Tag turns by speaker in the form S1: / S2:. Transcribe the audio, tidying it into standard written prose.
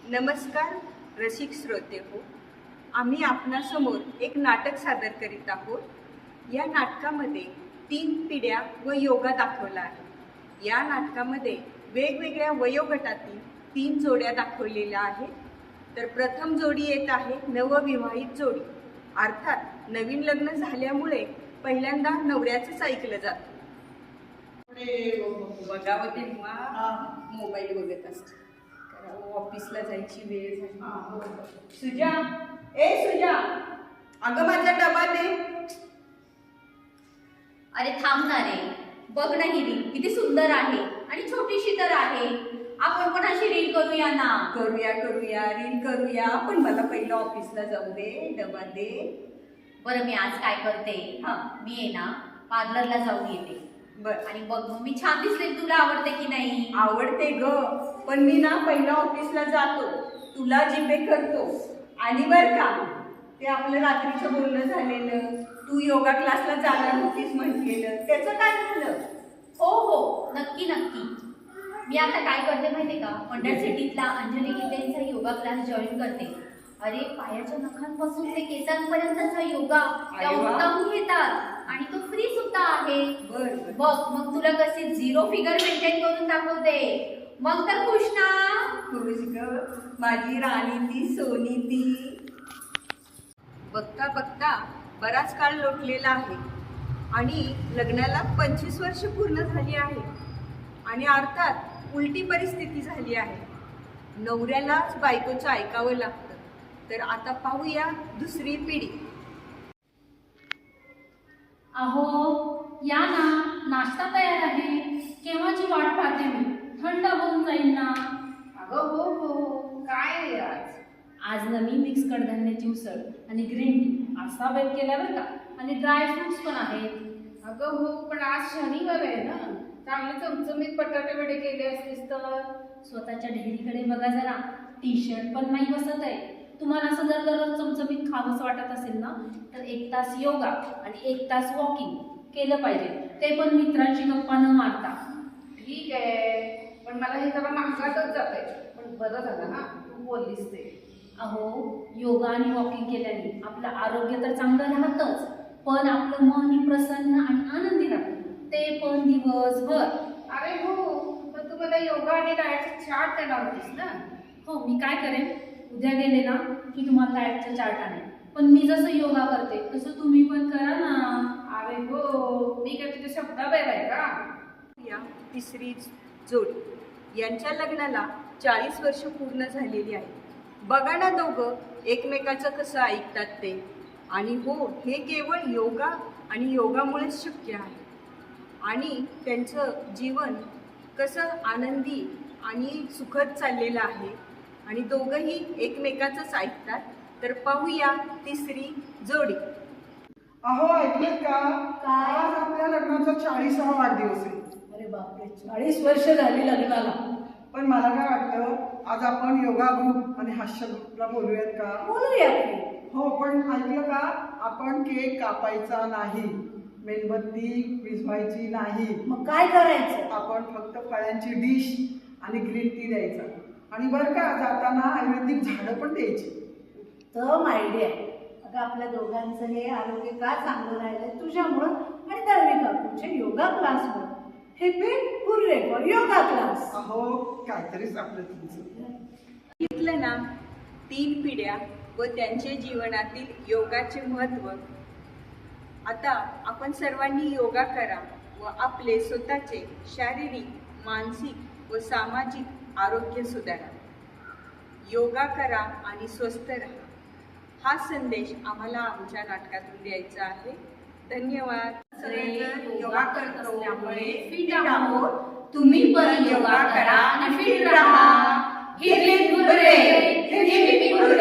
S1: नमस्कार रसिक श्रोते हो, आम्ही आपणासमोर एक नाटक सादर करीत आहोत. या नाटकामध्ये 3 पिढ्या व योगा दाखवला आहे. या नाटकामध्ये वेगवेगळ्या वयोगटातील 3 जोड्या दाखवलेल्या आहेत. तर प्रथम जोडी येत आहे नवविवाहित जोडी, अर्थात नवीन लग्न झाल्यामुळे पहिल्यांदा नवऱ्याचंच ऐकलं जातं. बघावं तेव्हा मोबाईल बघत असते. ऑफिसला जायची वेळ झाली. सुजा, ए सुजा, अगं माझा डबा दे.
S2: अरे थांब ना रे, बघ ना ही रील किती सुंदर आहे आणि छोटीशी तर आहे. आपण पण अशी रील करूया ना.
S1: करूया रील करूया, पण मला पहिलं ऑफिसला जाऊ दे, डबा दे.
S2: बरं मी आज काय करते, मी आहे ना पार्लरला जाऊन येते.
S1: बर,
S2: आणि बघ मग मी छान दिसले, तुला आवडते की नाही?
S1: आवडते ग, पण मी ना पहिला ऑफिसला जातो, तुला जीपे करतो. आणि बर का, ते आपलं रात्रीचं बोलणं झालेलं, तू योगा क्लासला जाणार होतीस म्हटलेलं, त्याचं काय झालं?
S2: हो नक्की नक्की. मी आता काय करते माहितीये का, मंडळ सिटीतला अंजली गीतेंचा योगा क्लास जॉईन करते. अरे पायाच्या नखांपासून ते केसांपर्यंतचा योगा त्या उत्तम घेतात आणि तो फ्री सुद्धा आहे. बघ मग तुला कशी 0 फिगर मेंटेन करून दाखवते. मग तर खुश ना?
S1: खुश ग, माझी राणी ती सोनी ती. बघता बघता बराच काळ लोटलेला आहे आणि लग्नाला 25 वर्ष पूर्ण झाली आहे. आणि अर्थात उलटी परिस्थिती झाली आहे. नवऱ्यालाच बायकोचं ऐकावं लागतं. तर आता पाहूया दुसरी पिढी.
S3: अहो या ना, नाश्ता तयार आहे. केव्हाची वाट पाहते मी, थंड होऊन जाईल ना.
S4: अगं हो काय आहे
S3: आज ना मी मिक्स कडधान्याची उसळ आणि ग्रीन टी असा बेत केला बरं का, आणि ड्राय फ्रुट्स पण आहेत.
S4: अगं हो, पण आज शनिवार आहे ना, चांगले चमचमीत बटाटे वडे केले असतेस तर.
S3: स्वतःच्या ढेरीकडे बघा जरा, टी शर्ट पण नाही बसत आहे. तुम्हाला असं जर दररोज चमचमीत खावंसं वाटत असेल ना, तर 1 तास योगा आणि 1 तास वॉकिंग केलं पाहिजे, ते पण मित्रांशी गप्पा न मारता.
S4: ठीक आहे, पण मला हे जरा महागातच जात आहे. पण बरं झालं ना तू बोललीस ते.
S3: अहो योगा आणि वॉकिंग केल्याने आपलं आरोग्य तर चांगलं राहतंच, पण आपलं मनही प्रसन्न आणि आनंदी राहतं, ते पण दिवसभर.
S4: अरे हो, पण तू मला योगा आणि डाएटचे चार्ट देणार होतीस ना.
S3: हो, मी काय करेन, उद्या गेले ना की तुम्हाला डाएटचा चार्ट आणेल. पण मी जसं योगा करते तसं तुम्ही पण करा ना.
S4: अरे हो, मी काय तुझ्या शब्दाबाहेर आहे का?
S1: या तिसरी जोडी, यांच्या लग्नाला 40 वर्ष पूर्ण झालेली आहे. बघा ना दोघं एकमेकाचं कसं ऐकतात ते. आणि हो, हे केवळ योगा आणि योगामुळेच शक्य आहे. आणि त्यांचं जीवन कसं आनंदी आणि सुखद चाललेलं आहे. आणि दोघंही एकमेकाचंच ऐकतात. तर पाहूया तिसरी जोडी.
S5: अहो ऐकलेत का,
S2: काय?
S5: आज आपल्या लग्नाचा 40वा वाढदिवस आहे.
S3: अरे बापरे, 40 वर्ष झाली लग्नाला.
S5: पण मला काय वाटतं, आज आपण योगा ग्रुप आणि हास्य ग्रुपला बोलूयात का?
S3: बोलूया.
S5: हो, पण ऐकलं का, आपण केक कापायचा नाही, मेणबत्ती विझवायची नाही.
S3: मग काय करायचं?
S5: आपण फक्त फळांची डिश आणि ग्रीन टी द्यायचा. आणि बरं का, जाताना आयुर्वेदिक झाडं पण द्यायची.
S6: तर आयडिया. अगं आपल्या दोघांचं हे आरोग्य का चांगलं राहिलंय तुझ्यामुळं आणि दळवी काकूच्या योगा क्लासमुळं. हे पे हुर्रे फॉर योगा क्लास.
S5: अहो काहीतरीच आपलं तुमचं.
S1: घेतलं ना, 3 पिढ्या व त्यांचे जीवनातील योगाचे महत्त्व. आता आपण सर्वांनी योगा करा व आपले स्वतःचे शारीरिक, मानसिक व सामाजिक आरोग्य सुधारा. योगा करा आणि स्वस्थ राहा, हा संदेश आम्हाला आमच्या नाटकातून द्यायचा आहे. धन्यवाद. सगळेजण योगा करत असल्यामुळे फिट आहोत. तुम्ही पण योगा करा आणि फिट राहा. हिरवे फुले, हिरवे फुले.